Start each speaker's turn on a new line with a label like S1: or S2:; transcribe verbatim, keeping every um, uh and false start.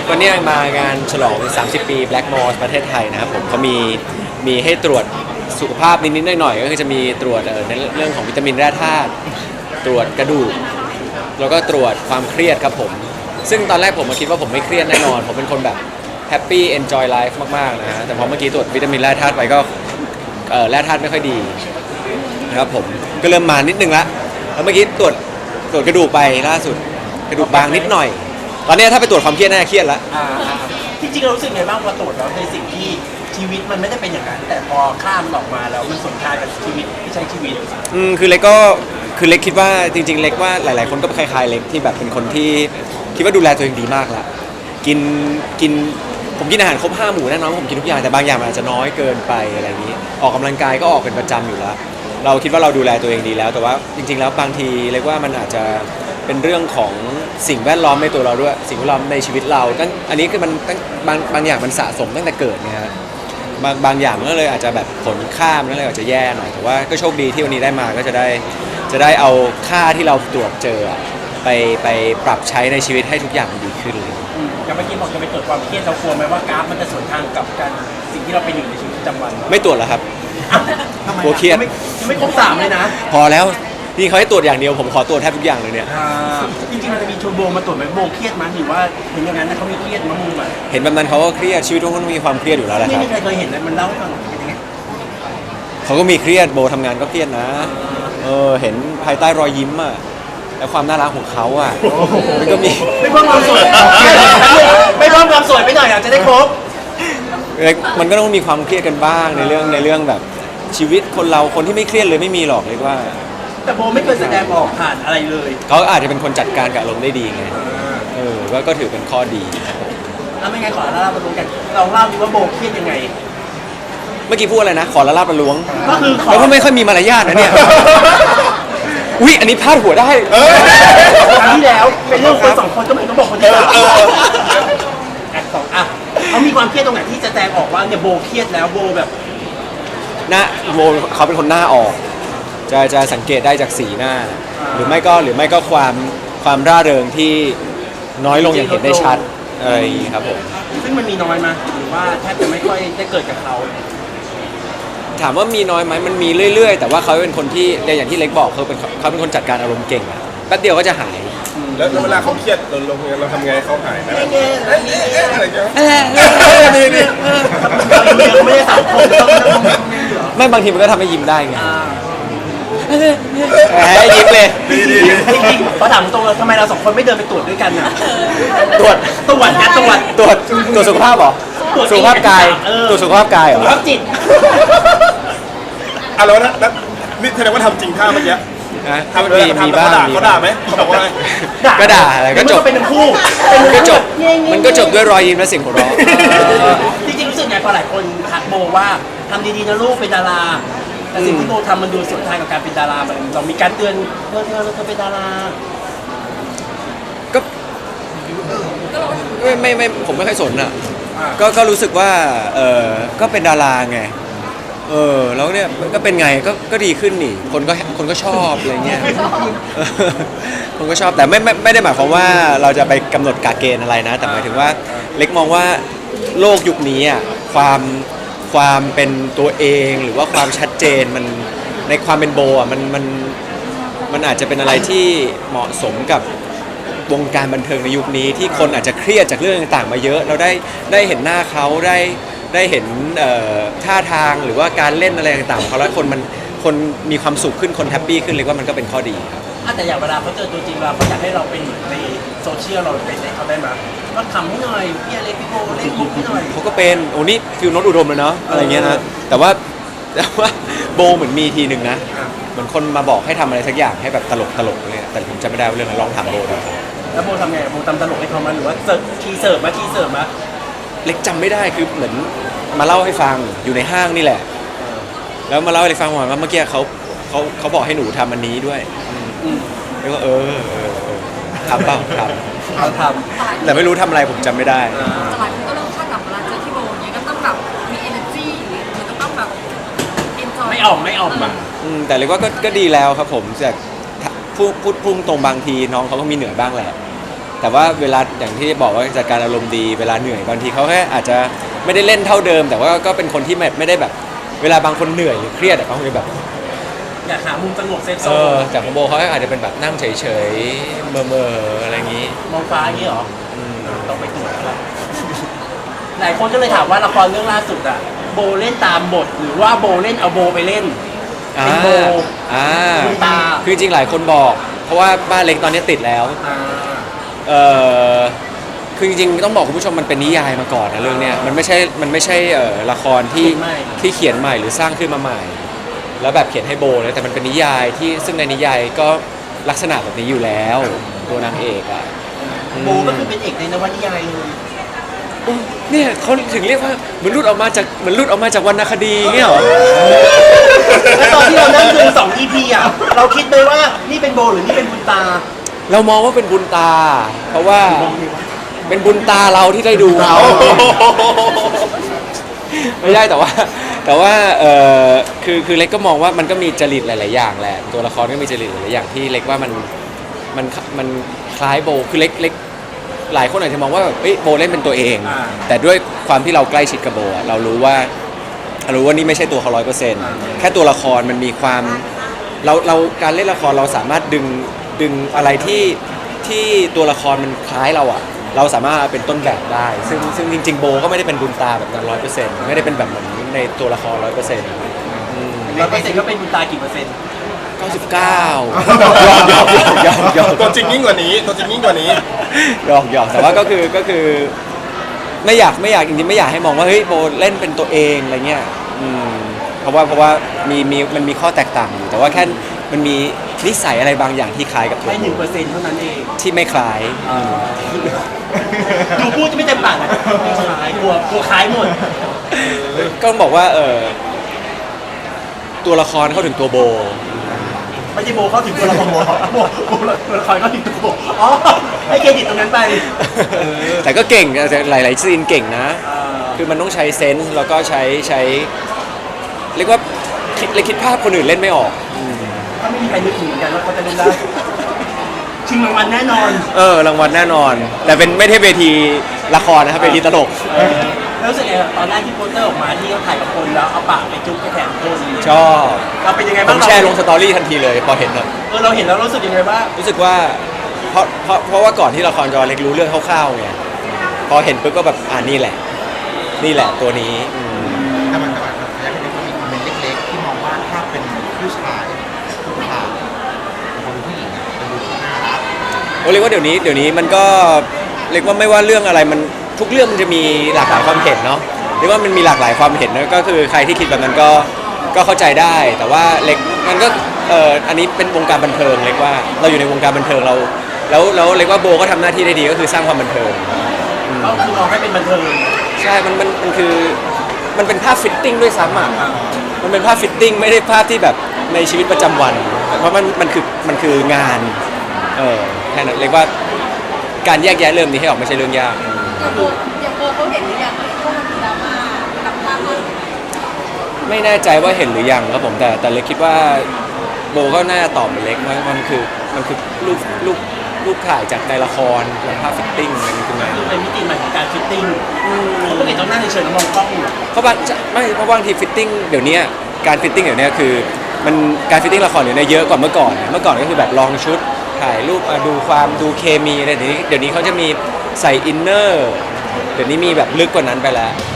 S1: ก็เนี่ยมางานฉลองสามสิบปี Black Moss ประเทศไทยนะครับผมเขามีมีให้ตรวจสุขภาพนิดๆหน่อยๆก็คือจะมีตรวจในเรื่องของวิตามินแร่ธาตุตรวจกระดูกแล้วก็ตรวจความเครียดครับผมซึ่งตอนแรกผมมาคิดว่าผมไม่เครียดแน่นอนผมเป็นคนแบบแฮปปี้เอนจอยไลฟ์มากๆนะฮะแต่พอเมื่อกี้ตรวจวิตามินแร่ธาตุไปก็เอ่อแร่ธาตุไม่ค่อยดีนะครับผมก็เริ่มมานิดนึงละแล้วเมื่อกี้ตรวจตรวจกระดูกไปล่าสุดกระดูกบางนิดหน่อยตอนนี้ถ้าไปตรวจความเครียดน่าจะเครียดละ
S2: อ่าจริงๆเรารู้สึกไงบ้างพอตรวจแล้วในสิ่งที่ชีวิตมันไม่ได้เป็นอย่างนั้นแต่พอข้ามออกมาแล้วมันสนทานกับชีวิตที่ใช้ชีวิต
S1: อืมคือเล็กก็คือเล็กคิดว่าจริงๆเล็กว่าหลายๆคนก็คล้ายๆเล็กที่แบบเป็นคนที่คิดว่าดูแลตัวเองดีมากละกินกินผมกินอาหารครบห้าหมู่แน่นอนผมกินทุกอย่างแต่บางอย่างมันอาจจะน้อยเกินไปอะไรอย่างนี้ออกกำลังกายก็ออกเป็นประจำอยู่แล้วเราคิดว่าเราดูแลตัวเองดีแล้วแต่ว่าจริงๆแล้วบางทีเล็กว่ามันอาจจะเป็นเรื่องของสิ่งแวดล้อมในตัวเราด้วยสิ่งแวดล้อมในชีวิตเราตั้งอันนี้คือมันตั้งบางบางอย่างมันสะสมตั้งแต่เกิดเนี่ยฮะบางบางอย่างมันก็เลยอาจจะแบบผลข้ามนั่นเลยอาจจะแย่หน่อยแต่ว่าก็โชคดีที่วันนี้ได้มาก็จะได้จะได้เอาค่าที่เราตรวจเจอไปไปปรับใช้ในชีวิตให้ทุกอย่างมันดีขึ้นเลย
S2: อย่างเมื่อกี้บอกจะไปตรวจความเครียดเรากลัวไหมว่ากราฟมันจะสวนทางกับการสิ่งที่เราเป็นอยู่ในชีวิตประจำวัน
S1: ไม่ตรวจแล้วครับ
S2: กลัวเครียดไม่ครบสามเลยนะ
S1: พอแล้วนี่เขาให้ตรวจอย่างเดียวผมขอตรวจแทบทุกอย่างเลยเนี่ย
S2: จริงๆมันจะมีชวนโบมาตรวจไหมโบเครียดมั้ยหรือว่าเห็นอย่างนั้นนะเขามีเครียดมั้ยมึงแบบ
S1: เห็นแบบนั้นเขาก็เครียดชีวิตทุกคนมีความเครียดอยู่แล้วแหละครับ
S2: ไม่มีใครเคยเห็นเลยมันเล่าให้ฟังเป็นยังไง
S1: เขาก็มีเครียดโบทำงานก็เครียดนะเออเห็นภายใต้รอยยิ้มอ่ะและความน่ารักของเขาอ่ะมันก็มี
S2: ไม่เพิ่มความสวยไม่เพิ่มความสวยไปหน่อยอยากจะได้ครบ
S1: มันก็ต้องมีความเครียดกันบ้างในเรื่องในเรื่องแบบชีวิตคนเราคนที่ไม่เครียดเลยไม่มีหรอกเลยว่า
S2: แต่โบไม่เคยแสดงออกผ่านอะไรเลย
S1: เขาอาจจะเป็นคนจัดการกับอารมณ์ได้ดีไงเออก็ก็ถือเป็นข้อดี
S2: แล้วไม่ไงขอเล่าประลุงกันเราเล่าดิว่าโบเครียดยังไง
S1: เมื่อกี้พูดอะไรนะขอละลาบประล้วง
S2: ก็คือ
S1: แล้วก็ไม่ค่อยมีมารยาทนะเนี่ยอุ้ยอันนี้พลาดหัวได้
S2: ครั้งที่แล้วเป็นเรื่องคนสองคนก็ไม่ต้องบอกคนที่สามอ่ะเขามีความเครียดตรงไหนที่จะแสดงออกว่าเนี่ยโบเครียดแล้วโบแบบ
S1: หน้าโบเขาเป็นคนหน้าออกจะจะสังเกตได้จากสีหน้าหรือไม่ก็หรือไม่ก็ความความร่าเริงที่น้อยลงอย่างเห็นได้ชัดอะไรอย่างนี้ครับผม
S2: ซึ่งมันมีน้อยมาหรือว่าแทบจะไม่ค่อยได้เกิดกับเขา
S1: ถามว่ามีน้อยไหมมันมีเรื่อยๆแต่ว่าเขาเป็นคนที่อย่างที่เล็กบอกเขาเป็นเขาเป็นคนจัดการอารมณ์เก่งอะแป๊บเดียวก็จะหาย
S3: แล้วเวลาเขาเครียดเราเราทำไงเขาหายไหมอะไรเงี้ย
S2: ไม่ได้สามคน
S1: ไม่บางทีมันก็ทำให้ยิ้มได้ไงให้ยิ้มเลย
S2: เพราะถามตรงเลยทำไมเราสองคนไม่เดินไปตรวจด้วยกันอ่ะ
S1: ตรวจ
S2: ตรวจนะตรวจ
S1: ตรวจตรวจสุขภาพเหรอสุขภาพกายตรวจสุขภาพกายเหรอ
S2: สุขภาพจิต
S3: อ่ะแล้วนะนี่แสดงว่าทำจริงท่าเมื่อกี้
S1: ทำมีมีบ้าง
S3: เขาด่าไหมเขาบอกว่า
S1: ก็ด่าอะไรก็จบ
S2: เป็นทั้งคู่
S1: ก็จบมันก็จบด้วยรอยยิ้มและเสียงหัวเราะ
S2: จริงๆรู้สึกไงพอหลายคนทักโบว่าทำดีๆนะลูกเป็นดาราแต่สิ่งที่โบทำมันดูสวนทางกับการเป็นดารามันเรามีการเตือนเธอเธอเธอเป็นดารา
S1: ก็ไม่ไม่ไม่ผมไม่ค่อยสนอ่ะก็ก็รู้สึกว่าเออก็เป็นดาราไงเออแล้วเนี่ยก็เป็นไงก็ก็ดีขึ้นนี่คนก็คนก็ชอบอะไรเงี้ยคนก็ชอบแต่ไม่ไม่ไม่ได้หมายความว่าเราจะไปกำหนดกาเกณฑ์อะไรนะแต่หมายถึงว่าเล็กมองว่าโลกยุคนี้อ่ะความความเป็นตัวเองหรือว่าความชัดเจนมันในความเป็นโบอ่ะมันมันมันอาจจะเป็นอะไรที่เหมาะสมกับวงการบันเทิงในยุคนี้ที่คนอาจจะเครียดจากเรื่องต่างๆมาเยอะเราได้ได้เห็นหน้าเขาได้ได้เห็นท่าทางหรือว่าการเล่นอะไรต่างๆของเขาแล้วคนมันคนมีความสุขขึ้นคนแฮปปี้ขึ้นเลยว่ามันก็เป็นข้อดีครับ
S2: แต่อย่างเวลาเขาเจอตัวจริงเราเขาอยากให้เราเป็นเหมือนในโซเชียลเราเป็นในเขาได้ไหมว่าทำให้หน่อยพี่อะไรพี่โบเล่นมุกให้หน่อย
S1: เขาก็เป็นโอ้นี่ฟิลโน้ตอุดมเลยเนาะอะไรเงี้ยนะแต่ว่าแต่ว่าโบเหมือนมีทีหนึ่งนะเหมือนคนมาบอกให้ทำอะไรสักอย่างให้แบบตลกตลกเลยแต่ผมจำไม่ได้ว่าเรื่องอะไรลองถามโบดู
S2: แล้วโบทำไงโบทำตลกให้เขามาหรือว่าเสิร์ฟทีเสิร์ฟมาทีเสิร์ฟมา
S1: เล็กจำไม่ได้คือเหมือนมาเล่าให้ฟังอยู่ในห้างนี่แหละแล้วมาเล่าให้ฟังว่าเมื่อกี้เขาเขาเขาบอกให้หนูทำอันนี้ด้วยแล้วก็เออทำเปล่าทำ
S2: เขาทำ
S1: แต่ไม่รู้ทำอะไรผมจำไม่ได้
S4: สมัยก็เริ่มคาดหวังเวลาเจอที่โบอย่างเงี้ยก็ต้องแบบมี energy หรือก็ต้องแบบ enjoy
S2: ไม่ออกไม่ออกแบบ
S1: แต่เรียกว่าก็ก็ดีแล้วครับผมจากพูดพูดพุ่งตรงบางทีน้องเขาก็มีเหนื่อยบ้างแหละแต่ว่าเวลาอย่างที่บอกว่าจัดการอารมณ์ดีเวลาเหนื่อยบางทีเขาแค่อาจจะไม่ได้เล่นเท่าเดิม แต่ว่าก็เป็นคนที่ไม่ไม่ได้แบบเวลาบางคนเหนื่อยหรือเครียดอะบางคนแบบ
S2: อยากหามุมสงบเซฟโซ
S1: เอน อจากของโบเขาอาจจะเป็นแบบนั่งเฉยๆเมื่อเมื่อๆอะไรอย่างนี้
S2: มองฟ้าอย่างนี้เหรอ
S1: อืม
S2: ต้องไปตรวจแล้วหลายคนก็เลยถามว่าละครเรื่องล่าสุดอะโบเล่นตามบทหรือว่าโบเล่นเอาโบไปเล่น
S1: อ่า
S2: เป็นโบ
S1: อ่า
S2: คุณตา
S1: คือจริงๆหลายคนบอก เพราะว่าบ้านเล็กตอนนี้ติดแล้ว
S2: อ่า
S1: เออคือจริงๆต้องบอกคุณผู้ชมมันเป็นนิยายมาก่อนนะเรื่องเนี้ยมันไม่ใช่มันไม่ใช่เอ่อละครที่ที่เขียนใหม่หรือสร้างขึ้นมาใหม่ แล้วแบบเขียนให้โบเลยแต่มันเป็นนิยายที่ซึ่งในนิยายก็ลักษณะแบบนี้อยู่แล้วตัวนางเอกอ่ะ
S2: โบก็คือเป็นเอกในนวนิยายเลย
S1: อืมเนี่ยเขาถึงเรียกว่าเหมือนรุดออกมาจากเหมือนรุดออกมาจากวรรณคดีเงี้ยเหรอ
S2: แล้วตอนที่เรานั่งดูสอง อี พี อ่ะ เราคิดไหมว่านี่เป็นโบหรือนี่เป็นบุญตา
S1: เรามองว่าเป็นบุญตา เพราะว่าเป็นบุญตาเราที่ได้ดูเขา ไม่ใช่แต่ว่า แต่ว่าเออคือคือเล็กก็มองว่ามันก็มีจริตหลาย ๆ อย่างแหละตัวละครก็มีจริตหลาย ๆ อย่างที่เล็กว่ามันมันมันคล้ายโบคือเล็กเล็กหลายคนอาจจะมองว่าแบบเอ้ยโบเล่นเป็นตัวเอง
S2: อ่า
S1: แต่ด้วยความที่เราใกล้ชิดกับโบอะเรารู้ว่าเรารู้ว่านี่ไม่ใช่ตัวเขาร้อยเปอร์เซ็นต์แค่ตัวละครมันมีความเราเราการเล่นละครเราสามารถดึงดึงอะไรที่ที่ตัวละครมันคล้ายเราอะเราสามารถเอาเป็นต้นแบบได้ ซึ่งซึ่งจริง ๆ โบก็ไม่ได้เป็นบุญตาแบบนั้นร้อยเปอร์เซ็นต์ไม่ได้เป็นแบบเหมือนในตัวละครร้อยเปอร์เซ็นต์
S2: ร้อยเปอร์เซ็นต์ก็เป็นบุญตากี่เปอร์เซ็นต์
S1: เก้าสิบเก้ายอมยอมยอมยอมยอม
S3: ตัวจริงยิ่งกว่านี้ตัวจริงยิ่งกว่านี้
S1: ยอมยอมแต่ว่าก็คือก็คือ ไม่อยากไม่อยากจริงๆไม่อยากให้มองว่าเฮ้ยโบเล่นเป็นตัวเองอะไรเงี้ยอืมเพราะว่าเพราะว่ามีมีมันมีข้อแตกต่างอยู่แต่ว่าแค่มันมีนิสัยอะไรบางอย่างที่คล้ายกับตัว
S2: ไม่หนึ่งเปอร์เซ็นต์เท่านั้นเอง
S1: ที่ไม่คล้าย
S2: ดูพูดจะไม่เต็มปากเลยไม่คล้ายกลัวกลัวคล้ายหมด
S1: ก็ต้องบอกว่าเออตัวละครเข้าถึงตัวโบ
S2: ไม่ใช่โบเข้าถึงตัวละครโบโบโบตัวละครเข้าถึงตัวโบอ๋อให้เครดิตตรงนั้นไป
S1: แต่ก็เก่งแต่หลาย ๆ ซีนเก่งนะ
S2: อ่า
S1: คือมันต้องใช้เซนส์แล้วก็ใช้ใช้เรียกว่าคิดเลยคิดภาพคนอื่นเล่นไม่ออก
S2: ก็ไม่มีใครนึกถึงเหมือนกันว่าเขาจะเล่นได้ชิงรางวัลแน่นอน
S1: เออรางวัลแน่นอน แต่เป็นไม่ใช่เวทีละครนะครับเวทีตลก
S2: เออแล้วรู้สึกไงครับตอนแรกที่โปสเตอร์ออกมาที่เขาถ่ายกับคนแล้วเอาปากไปจุ๊บกระแขนคน
S1: ชอบ
S2: เราเป็นยังไง
S1: ผ
S2: บ้าง
S1: มแชร์ลงสตอรี่ทันทีเลยพอเห็นอะ
S2: เออเราเห็นแล้วรู้สึกยังไงบ้าง
S1: รู้สึกว่าเพราะเพราะเพราะว่าก่อนที่ละครจอเล็กรู้เรื่องคร่าวๆไงพอเห็นปุ๊บก็แบบอ่านี่แหละ นี่แหละตัวนี้อืม
S5: แต่มันแต่มันอยากให้มีคอมเมนต์เล็กๆ ที่มองว่าถ้าเป็นผู้ชายผู้ชายคนผู้หญิงอะจะดูที่น่ารัก
S1: โอ้เรียกว่าเดี๋ยวนี้เดี๋ยวนี้มันก็เรียกว่าไม่ว่าเรื่องอะไรมันทุกเรื่องมันจะมีหลากหลายความเห็นเนาะเรียกว่ามันมีหลากหลายความเห็นนะก็คือใครที่คิดแบบนั้นก็ก็เข้าใจได้ แต่ว่าเล็กมันก็เอออันนี้เป็นวงการบันเทิงเล็กว่าเราอยู่ในวงการบันเทิงเรา แล้วแล้วเล็กว่าโบก็ทำหน้าที่ได้ดีก็คือสร้างความบันเทิง
S2: ก็คือมองให้เป็นบันเทิง
S1: ใช่มันมันมันคือมันเป็นภาพฟิตติ้งด้วยซ้ำอ่ะมันเป็นภาพฟิตติ้งไม่ได้ภาพที่แบบในชีวิตประจำวัน เพราะมันมันคือมันคืองานเออแค่นั้นเรียกว่าการแยกแยะเริ่มนี้ให้ออกไม่ใช่เรื่องยาก
S4: อย่างโบอย่างโบเขาเห็นหรือยังว่าพวกมันมีดราม่ากับภาพเรื่องนี้
S1: ไม่แน่ใจว่าเห็นหรือยังครับผมแต่แต่เล็กคิดว่าโบก็น่าจะตอบเหมือนเล็กว่ามันคือมันคือรูปรูปรูปถ่ายจากในละครจากภาพฟิตติ้งอะไรนี่คืองาน
S2: คือเป็นมิติใหม่ของการฟิตติ้งเขาปกติต้องนั่งเฉยๆแล้วมองกล้องอยู่
S1: เพราะบางจะไม่เพราะบางทีฟิตติ้งเดี๋ยวนี้การฟิตติ้งเดี๋ยวนี้คือมันการฟิตติ้งละครเดี๋ยวนี้เยอะกว่าเมื่อก่อนเมื่อก่อนก็คือแบบลองชุดถ่ายรูปอ่ะดูความดูเคมีอะไรเดี๋ยวนี้เดี๋ยวนี้เขาจะมีใส่อินเนอร์เดี๋ยวนี้มีแบบลึกกว่านั้นไปแล้ว